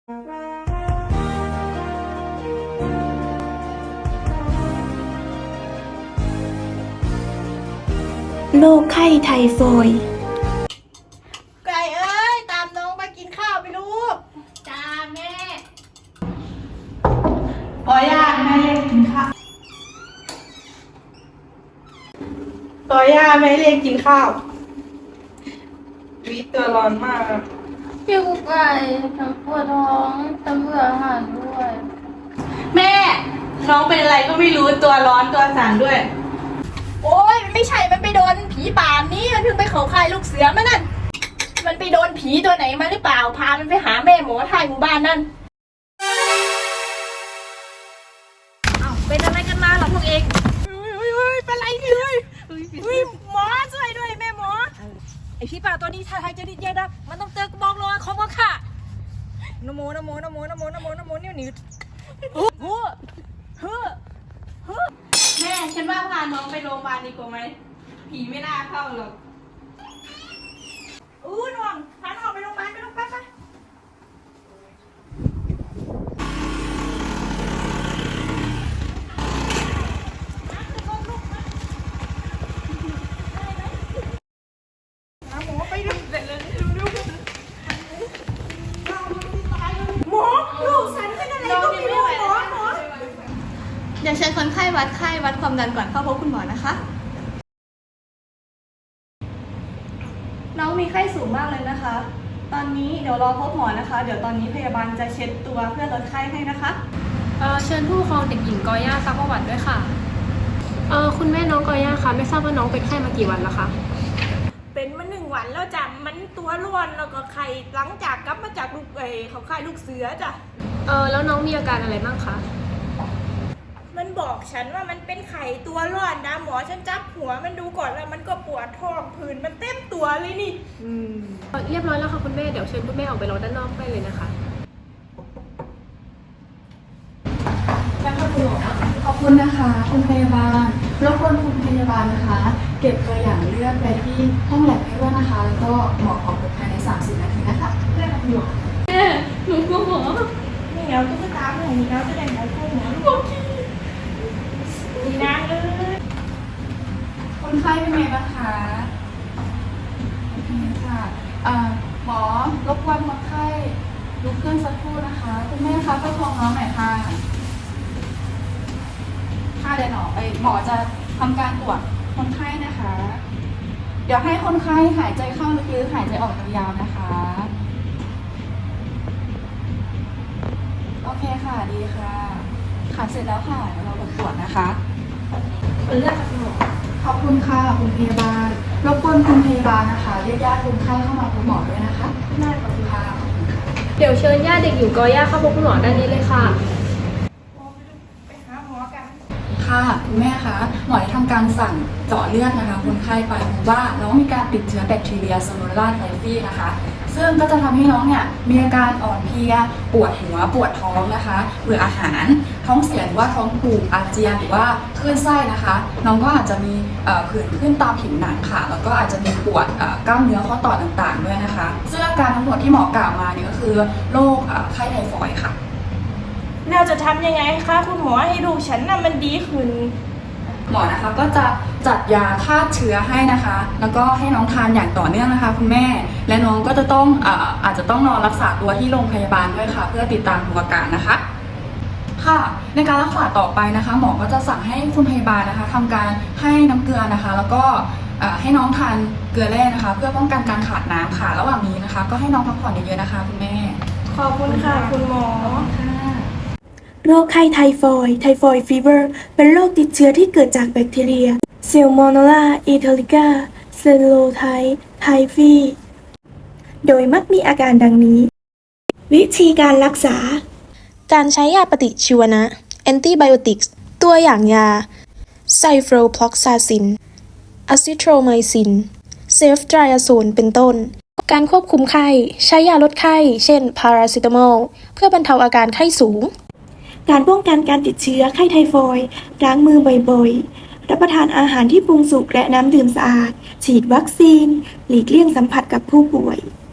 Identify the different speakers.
Speaker 1: โรคไข้ไทฟอยด์
Speaker 2: ไก่เอ้ยตามน้องมากินข้าวไปลูกจ้าแม่ขอย่าแม่เรียกกินข้าวขอย่าแม่เรียกกินข้าววิตัวร้อนมาก
Speaker 3: พี่กุ๊กไก่ทั้งปวดท้องทั้งเบื่ออาหารด้วย
Speaker 2: แม่น้องเป็นอะไรก็ไม่รู้ตัวร้อนตัวสั่นด้วยโอ้ยไม่ใช่มันไปโดนผีป่านนี้มันเพิ่งไปเขาค่ายลูกเสือมานั่นมันไปโดนผีตัวไหนมาหรือเปล่าพามันไปหาแม่หมอทายหมู่บ้านนั่นอ้าวเป็นอะไรกันมาเหรอพวกเองเป็นไรเลยหมอช่วยด้วยแม่หมอไอผีป่าตัวนี้ถ้าทายจะดิ้นเยอะนะมันต้องเจอกระบอกโลของว่าค่ะนโมนโมนโมนโมนโมนโมนิ้วนิ้วแม่ฉันว่าพาน้องไปโรงพยาบาลดีกว่าไหมผีไม่น่าเข้าหรอกน้องพาน้องไปโรงพยาบาลไปโรงพยาบาลไปหมอไปดูเสร็จเลยหมอลูกฉันเป็นอะไรก็ไม่รู้หมอ
Speaker 4: เดี๋ยวเชิญคนไข้วัดไข้วัดความดันก่อนเข้าพบคุณหมอนะคะ น้องมีไข้สูงมากเลยนะคะ ตอนนี้เดี๋ยวรอพบหมอนะคะ เดี๋ยวตอนนี้พยาบาลจะเช็ดตัวเพื่อลดไข้ให้นะคะ
Speaker 3: เชิญผู้ปกครองเด็กหญิงกอย่าซักประวัติด้วยค่ะคุณแม่น้องกอย่าคะไม่ทราบว่าน้องเป็นไข้มากี่วันแล้วคะ
Speaker 2: เป็นมา1 วันแล้วจ้ะมันตัวร้อนแล้วก็ไข้หลังจากกลับมาจากเขาค่ายลูกเสือจ้ะ
Speaker 3: แล้วน้องมีอาการอะไรบ้างคะ
Speaker 2: มันบอกฉันว่ามันเป็นไข้ตัวร้อนนะหมอฉันจับหัวมันดูก่อนแล้วมันก็ปวดท้องผื่นมันเต็มตัวเลยนี่
Speaker 3: เรียบร้อยแล้วค่ะคุณแม่เดี๋ยวเชิญคุณแม่ออกไปรอด้านนอกได้เลยนะคะ
Speaker 5: ขอบคุณนะคะคุณพยาบาลรบกวนคุณพยาบาลนะคะ เก็บตัวอย่างเลือดไปที่ห้องแลบให้ด้วยนะคะแล้วก็หมอขอพบภายใน30 นาทีนะคะได้ค่ะคุณหมอ
Speaker 3: หนูกลัวหมอ
Speaker 2: นี่เราต้องไปตามหน่อยนี่เราจะได้หมอพูดหมอโอเคดีนะ
Speaker 5: คนไข้เป็นไงบ้างคะโอเคค่ะหมอรบกวนคนไข้ลุกขึ้นสักครู่นะคะคุณแม่คะประคองน้องหน่อยค่ะเดี๋ยวหมอจะทำการตรวจคนไข้นะคะ เดี๋ยวให้คนไข้หายใจเข้าลึกๆหายใจออกยาวๆนะคะโอเคค่ะดีค่ะเสร็จแล้วค่ะเราตรวจนะคะ
Speaker 3: เป็นเลือดจากหมอ
Speaker 5: ขอบคุณค่ะคุณพยาบาลรบกวนคุณพยาบาลนะคะเรียกญาติคนไข้เข้ามาพบหมอด้วยนะคะ
Speaker 3: ได้ขอบคุณค่ะเดี๋ยวเชิญญาติเด็กหญิงกอย่าเข้าพบคุณหมอด้านนี้เลยค่ะ
Speaker 5: ค่ะคุณแม่คะหมอได้ทำการสั่งเจาะเลือดนะคะคนไข้ไปพบว่าน้องมีการติดเชื้อแบคทีเรียซาโมนาไทฟีนะคะซึ่งก็จะทำให้น้องเนี่ยมีอาการอ่อนเพลียปวดหัวปวดท้องนะคะเบื่ออาหารท้องเสียหรือว่าท้องผูกอาเจียนหรือว่าคลื่นไส้นะคะน้องก็อาจจะมีผื่นขึ้นตามผิวหนังค่ะแล้วก็อาจจะมีปวดกล้ามเนื้อข้อต่อต่างๆด้วยนะคะซึ่งอาการทั้งหมดที่หมอกล่าวมาเนี่ยก็คือโรคไข้ไทฟอยด์ค่ะ
Speaker 2: เราจะทำยังไงคะคุณหมอให้ลูกฉันน่ะมันดีขึ้น
Speaker 5: หมอนะคะก็จะจัดยาฆ่าเชื้อให้นะคะแล้วก็ให้น้องทานอย่างต่อเนื่องนะคะคุณแม่และน้องก็จะต้องอาจจะต้องนอนรักษาตัวที่โรงพยาบาลด้วยค่ะเพื่อติดตามดูอาการนะคะค่ะในการรักษาต่อไปนะคะหมอก็จะสั่งให้คุณพยาบาลนะคะทำการให้น้ำเกลือนะคะแล้วก็ให้น้องทานเกลือแร่นะคะเพื่อป้องกันการขาดน้ำค่ะระหว่างนี้นะคะก็ให้น้องพักผ่อนเยอะๆนะคะคุณแม่
Speaker 2: ขอบคุณค่ะคุณหมอ
Speaker 1: โรคไข้ไทฟอยด์ฟีเวอร์เป็นโรคติดเชื้อที่เกิดจากแบคทีเรียเซลโมโนลาอิทาลิกาเซลโลไทฟีโดยมักมีอาการดังนี้วิธีการรักษา
Speaker 6: การใช้ยาปฏิชีวนะ Antibiotics ตัวอย่างยา Ciprofloxacin Azithromycin Ceftriaxone เป็นต้นการควบคุมไข้ใช้ยาลดไข้เช่นพาราเซตามอลเพื่อบรรเทาอาการไข้สูง
Speaker 1: การป้องกันการติดเชื้อไข้ไทฟอยด์ล้างมือบ่อยๆรับประทานอาหารที่ปรุงสุกและน้ำดื่มสะอาดฉีดวัคซีนหลีกเลี่ยงสัมผัสกับผู้ป่วย